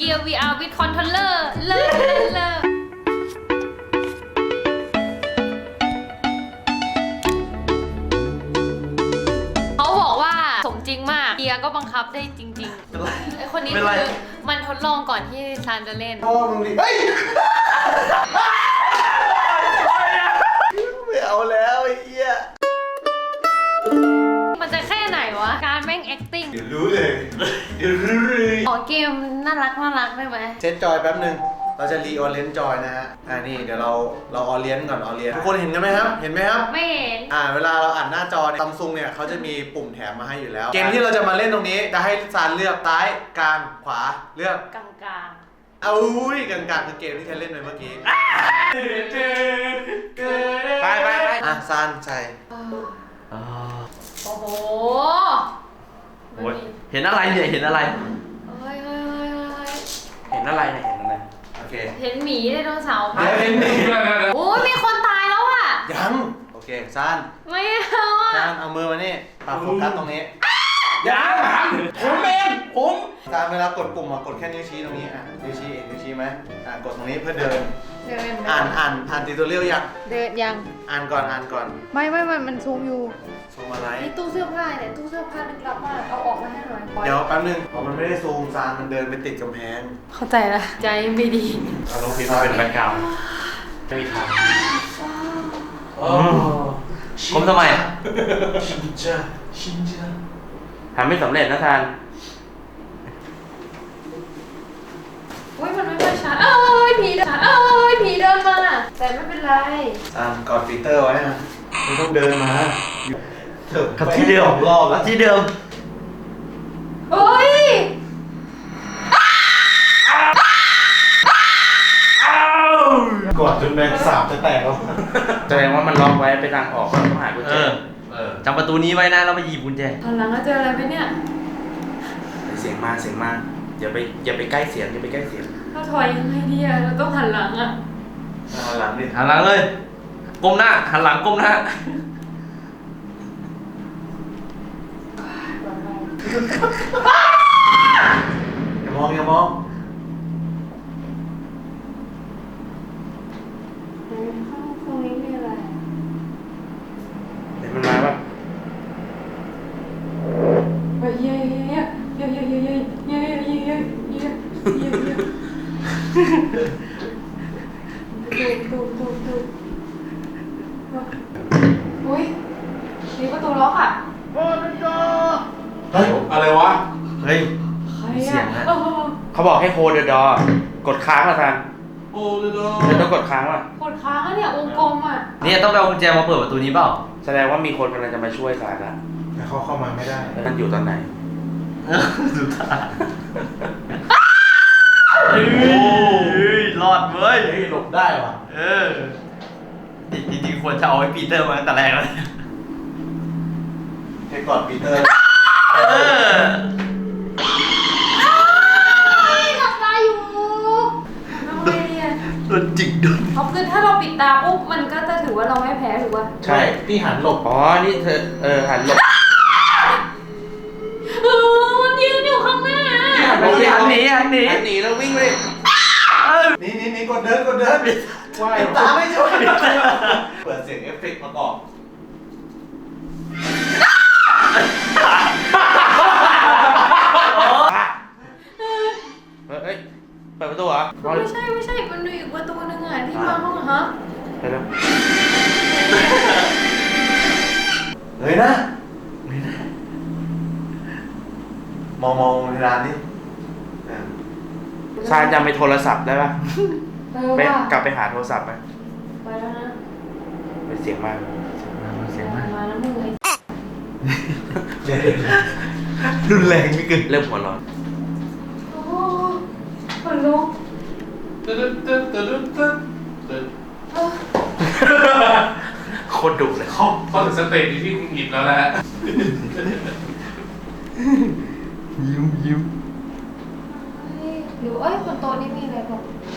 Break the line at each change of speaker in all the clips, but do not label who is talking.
Gear VR with controller เลิศเขาบอกว่าสมจริงมากเกียร์ก็บังคับได้จริงๆไอคนนี้คือมันทดลองก่อนที่ซานจะเล่น
พ่อมึงดิเฮ้ยไม่เอาแล้วไอ้เหี้ย
มันจะแค่ไหนวะการแม่ง acting
เดี๋ยวรู้เลย
ขอเกมน่ารักได้ไหม
เซตจอยแป๊บนึงเราจะรีออเรนจอยนะฮะนี่เดี๋ยวเราออเรนก่อนออเรนทุกคนเห็นกันไหมครับเห็นไหมครับ
ไม่เห็น
เวลาเราอ่านหน้าจอซัมซุงเนี่ยเขาจะมีปุ่มแถมมาให้อยู่แล้วเกมที่เราจะมาเล่นตรงนี้จะให้ซานเลือกซ้ายกลางขวาเลือก
กลาง
กลางคือเกมที่ฉันเล่นไปเมื่อกี้ไปซานใส่
โอ้โห
เห็นอะไรเนี่ยเห็นอะไร
เฮ้ย
เห็นอะไรเนี่ยเห็นอะไร
โอเค
เห็นหมีไดโนเสาร์
เห็นหมี
โอ้ยมีคนตายแล้วอ่ะ
ยังโอเคซาน
ไม่เอาอ่ะ
ซานเอามือมานี่ปรับโฟกัสตรงนี้
ยังผมเอง
ซานเวลากดปุ่มกดแค่นิ้วชี้ตรงนี้นิ้วชี้ไหมกดตรงนี้เพื่อเดินอ่านติวตอเรียลยัง
เดินยัง
อ่านก่อน
ไม่มันซูมอยู่
ซูมอะไร
นี่ตู้เสื้อผ้าเนี่ยตู้เสื้อผ้าลึกลับมากเอาออกมาให้หน่อย
เดี๋ยวแป๊บนึงมันไม่ได้ซูมซานมันเดินไปติดกำแพง
เข้าใจละใจไม่ดี
เอาลงพิมพ์มาเป็นแบ็คกราวด์ไม่มีทางผมทำไมชินจ้าทำไม่สำเร็จนะทาน
มันไม่ค่อยชัดผีเดินมาแต่ไม่เป็นไร
กอดฟีเตอร์ไว้นะไม่ต้องเดินมา
กับที่เดิม
รอบแล้ว
ที่เดิม
เฮ้ย
กอดจนแมงสาบจะแตกแล้ว
แสดงว่ามันล็อกไว้ไปทางออกต้องหากุญแจจำประตูนี้ไว้นะแล้วไปหยิบกุญแจ
ตอนหลังเราเจออะไรไหมเนี่ย
เสียงมาอย่าไปใกล้เสียง
ถ้าถอยยังไงดีอะเราต้องหันหลังอะ
หันหลังดิ
หันหลังเลยก้มหน้าหันหลังก้มหน้า
อย่ามอง
ตรงนี้มีอะไร
เดี๋ยวมันมาป่ะ
เย้ดูอุ้ยมีประตูล็อกอ่ะ
เฮ้ยอะไรวะ
เฮ้ยเสียงนะเขาบอกให้ hold the door กดค้างละทัน
hold the door
เธอต้องกดค้างว่ะ
กดค้างแล้วเนี่ยวงกลมอ่ะ
เนี่ยต้องไปเอากุญแจมาเปิดประตูนี้เปล่าแสดงว่ามีคนกำลังจะมาช่วยสารละ
แต่เขาเข้ามาไม่ได้
มันอยู่ตอนไหนสุดท้ายรอดเว้ย
หลบได้ว่ะ
จริงๆควรจะเอาไอ้ปีเตอร์มาตั้งแต่แรกแล้ว
ให้กอดปีเตอร์
หลับตาอยู่ทำไมเนี่ย
โดนจิกโดน
เพราะคือถ้าเราปิดตาปุ๊บมันก็จะถือว่าเราไม่แพ้ถูกป่ะ
ใช่พี่หันหลบ
นี่เธอหันหลบ
มันยืนอยู่ข้างหน้า
หันหนี
แล้ววิ่งเลยนี่กดเดินว่ายตาไม่ช่วยเปิดเสียงเอฟเฟกต์ประกอบ
เฮ้ยเปิดประตูเหรอ
ไม่ใช่มันมีอีกประตูนึงอ่ะที่มาห้องฮะ
ไปแล้ว
เลยนะมองในร้านนี้
ซานจำไปโทรศัพท์ได้ป่ะไปกลับไปหาโทรศัพท์ไป
แล้วนะ
เป็นเสียงมาก
มาแล้วมึงไอ้
รุนแรงไม่เกิน
เริ่มหัวร้อน
โอ้คนลุก
โคตรดุเลย
เขาถึงสเตจที่คุณหยิบแล้วแหละ
ยิ้ม
หรือคนโตนี่มีอะไรบอก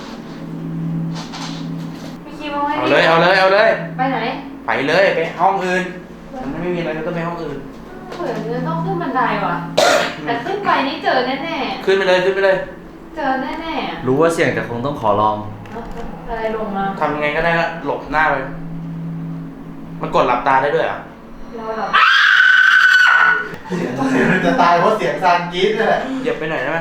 มีคิวเอาไว้
เอาเลย
ไปไหน
ไปเลยไปห้องอื่นมันไม่มีอะไรก็ต้องไปห้องอื่น
เหมือนจะต้องขึ้นบันไดว่ะแต่ขึ้นไปนี่เจอแน่
ขึ้นไปเลย
เจอแน่ๆอะ
รู้ว่าเสี่ยงแต่คงต้องขอลอง
อะไรลงมา
ทำยังไงก็ได้ก็หลบหน้าไป มันกดหลับตาได้ด้วยเหรอ่ะ
เราแบบ
เสียงจะตายเพราะเสียงซานกรี๊ดนี่แหละ
เหยียบไปหน่อยได้ไหม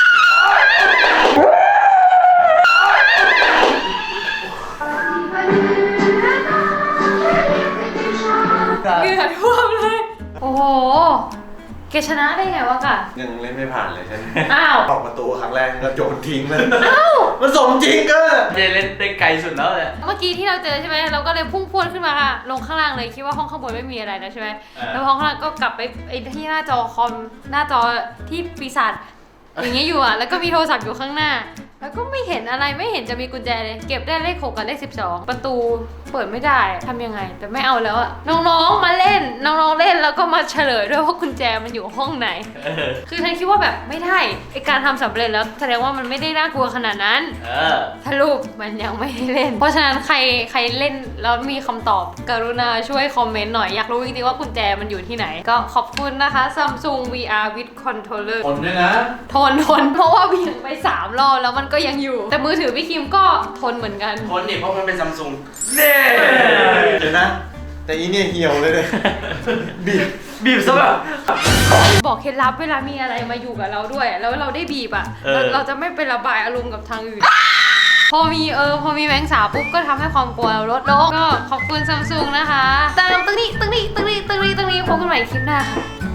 เหงื่อท่วมเลย โอ้โหแกชนะได้ไงวะกะ
ยังเล่นไม่ผ่านเลยฉัน
อ้าว
ออกประตูครั้งแรกก็โยนทิ้งเลยมันสมจริงเกิน
เจเล่นได้ไกลสุดแล้วเลย
เมื่อกี้ที่เราเจอใช่ไหมเราก็เลยพุ่งพรวดขึ้นมาค่ะลงข้างล่างเลยคิดว่าห้องข้างบนไม่มีอะไรแล้วใช่ไหมแล้วห้องข้างล่างก็กลับไปไอ้ที่หน้าจอคอมหน้าจอที่ปีศาจอย่างเงี้ยอยู่อ่ะแล้วก็มีโทรศัพท์อยู่ข้างหน้า แล้วก็ไม่เห็นอะไรไม่เห็นจะมีกุญแจเลยเก็บได้เลข6กับเลข12ประตูเปิดไม่ได้ทำยังไง แต่ไม่เอาแล้วอะน้องๆมาเล่นน้องๆเล่นแล้วก็มาเฉลยด้วยว่ากุญแจมันอยู่ห้องไหน คือฉันคิดว่าแบบไม่ได้ไอการทำสำเร็จแล้วแสดงว่ามันไม่ได้น่ากลัวขนาดนั้นสรุปมันยังไม่ได้เล่น เพราะฉะนั้นใครเล่นแล้วมีคำตอบกรุณาช่วยคอมเมนต์หน่อยอยากรู้จริงๆว่ากุญแจมันอยู่ที่ไหน ก็ขอบคุณนะคะ Samsung VR with controller
คนด้วยนะ
ทนเพราะว่าเบี่ยงไป3 รอบแล้วมันก็ยังอยู่ แต่มือถือพี่คิมก็ทนเหมือนกัน
คนนี่เพราะมันเป็นซัมซุง
เดี๋ยวนะ แต่อีเนี่ยเหี่ยวเลยเลยบีบ
ซะแบบ
บอกเคล็ดลับเวลามีอะไรมาอยู่กับเราด้วย แล้วเราได้บีบอ่ะ เราจะไม่ไประบายอารมณ์กับทางอื่น พอมีแมงสาบปุ๊บก็ทำให้ความกลัวเราลดลงก็ขอบคุณซัมซุงนะคะตามตึ้งนี้พบกันใหม่คลิปหน้าค่ะ